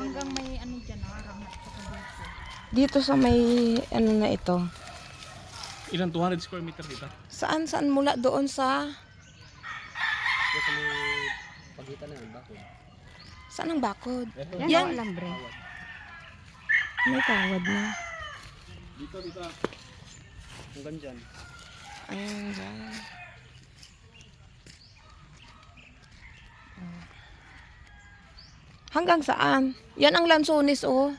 hanggang may ano dyan, rangat sa dito. Dito sa may ano na ito. Ilang 200 square meter dito? Saan mula doon sa Ito may pagitan na yun, bakod. saan ang bakod? Yan, Yan. alambre. May kawad na. Dito. Hanggang dyan. Ayan dyan. Hanggang saan? Yan ang lansunis, oh.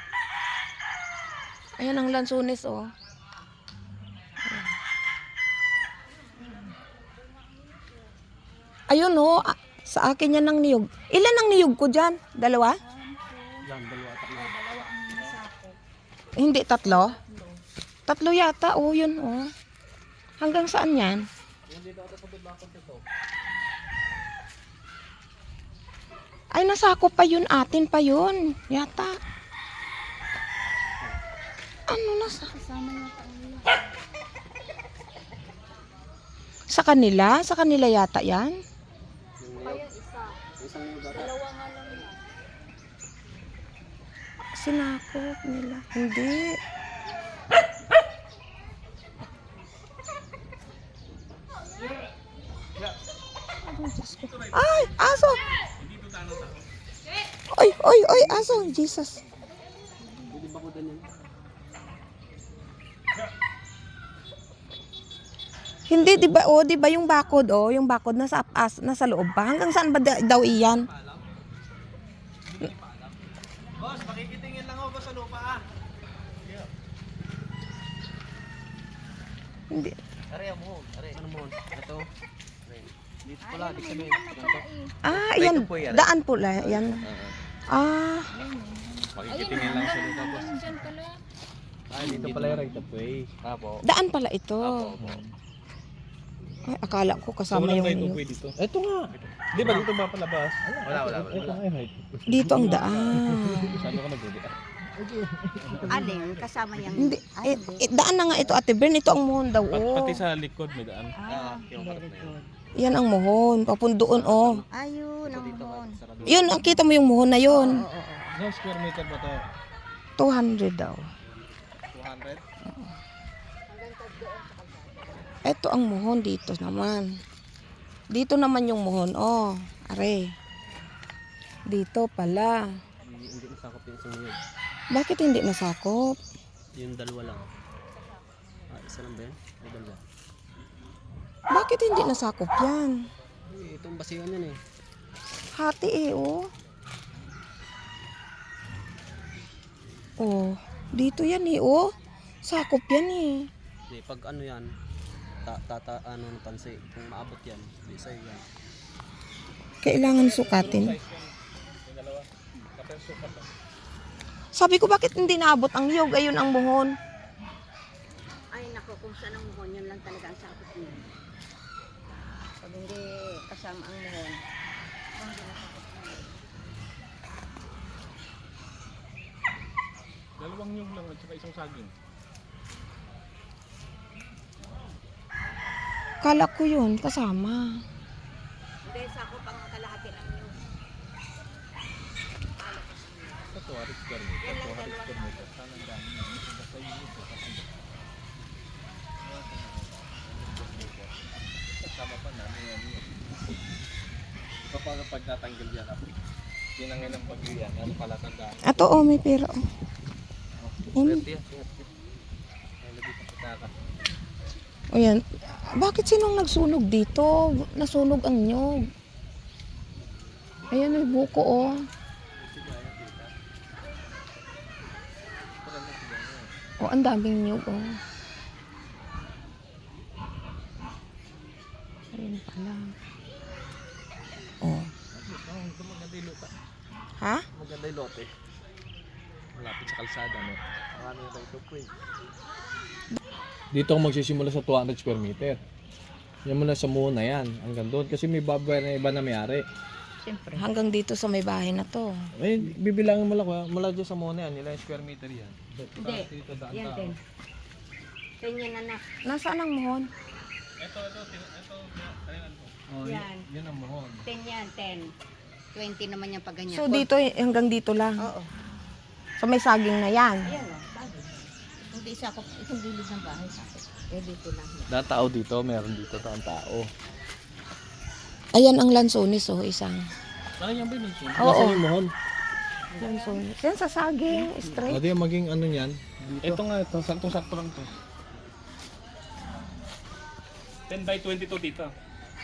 Ayan ang lansunis, oh. Ayun, oh. Sa akin yan ang niyog. Ilan ang niyog ko dyan? Dalawa? Yan, dalawa atak na. Hindi, tatlo? Tatlo yata, oh, yun, oh. Hanggang saan yan? Dito ako sa bakod ito. Ay, nasakop pa yun, atin pa yun. Yata. Ano nasa? Kasama niya pa ulo. Sa kanila? Sa kanila yata yan? Kaya isa. Isang lugar. Dalawa nga lang yan. Sinakop nila. Hindi. Ay, aso! Oy, aso! Jesus. Hindi bakudan yan. Hindi, di ba? Oh, di ba yung bakod, oh, yung bakod nasa nasa loob pa. Hanggang saan ba daw iyan? Boss, makikitingin lang ako sa lupa ah. Hindi. Are, mo. Are. Ano mo? Ito. Dito pala, di sabihin. Ah, yan. Daan pula, yan. Ah, Makikitingin lang sa lupa, boss. Dyan pala. Ah, dito pala yung right of way. Apo. daan pala ito. Ay, akala ko kasama yung iyo. Dito. Ito nga. Di ba dito ba palabas? Wala. Dito ang daan. Saan ka nagdudi? Alin, kasama niyang... Hindi, daan na nga ito, Ate Bern. Ito ang muhon daw, oh. Pati sa likod may daan. Very good. Yan ang muhon. Papundoon, oh. Ayun, ang muhon. Yun, ang kita mo yung muhon na yun. Ilang square meter ba to? 200 daw. 200? Ito ang muhon dito naman. Dito naman yung muhon, oh. Are. Dito pala. Hindi nasakop yung isang yun. Bakit hindi nasakop? Yung dalawa lang. Ah, isa lang ba yan? Ay, dalawa. Bakit hindi nasakop yan? Ay, itong basihan yan eh. Hati eh, oh. Oh, dito yan eh, oh. Sakop yan eh. Hindi, pag ano yan, ano ng pansi, kung maabot yan, hindi sa'yo yan. Kailangan sukatin. Sabi ko, bakit hindi naabot ang niyog? Ayun ang muhon. Ay, naku, kung saan ang muhon, yun lang talaga ang sakot niya. Pag hindi kasama ang muhon, Dalawang nyug lang at saka isang saging. Kala ko yun, kasama. hindi sakot ang kalahati ng muhon. Sa 200 square meter. 200 square meter. Saan ang dami na? Basta yun ito. Kasama pa namin yan. Kapag pagtatanggal yan ako. Yun ang ilang pag-iyan. Ano pala tandaan? Ato, oh, may pera, oh. Swerte yan, swerte. Ay, lagi pa pataka. O yan. Bakit sinong nagsunog dito? Nasunog ang nyog. Ayan, may buko, oh. Oh, ang daming nyog, oh. Ayun pala. Oh. Maganda yung lupa. Ha? Maganda yung lote. Malapit sa kalsada, no? Ano yung right of way? Dito ako magsisimula sa 200 square meter. Yan muna sa muna yan. Hanggang doon. Kasi may babae na iba na may-ari. Siyempre. Hanggang dito sa may bahay na to. Eh, bibilangin mo lang. Mula dyan sa muna yan. Ilang square meter yan. Hindi. Dito, daan Yan, tao. 10. 10 yan, anak. Nasaan ang muhon? Ito. Yan. Yan ang mohon. 10 yan, 10. 20 naman yung pag ganyan. So dito, hanggang dito lang. Oo. So may saging na yan. Ayan o, sabi. Hindi isa ko, itong gilid ng bahay sabi. Eh, dito lang yan. Na tao dito, meron dito ang tao. Ayan ang lansones, oh, isang. Ano yan ba yun? Oo. Nasaan yung mohon? Lansones. Yan sa saging, straight. Ano yung maging ano yan? Dito. Ito nga, ito. Saktong-sakto lang to. 10 by 22 dito.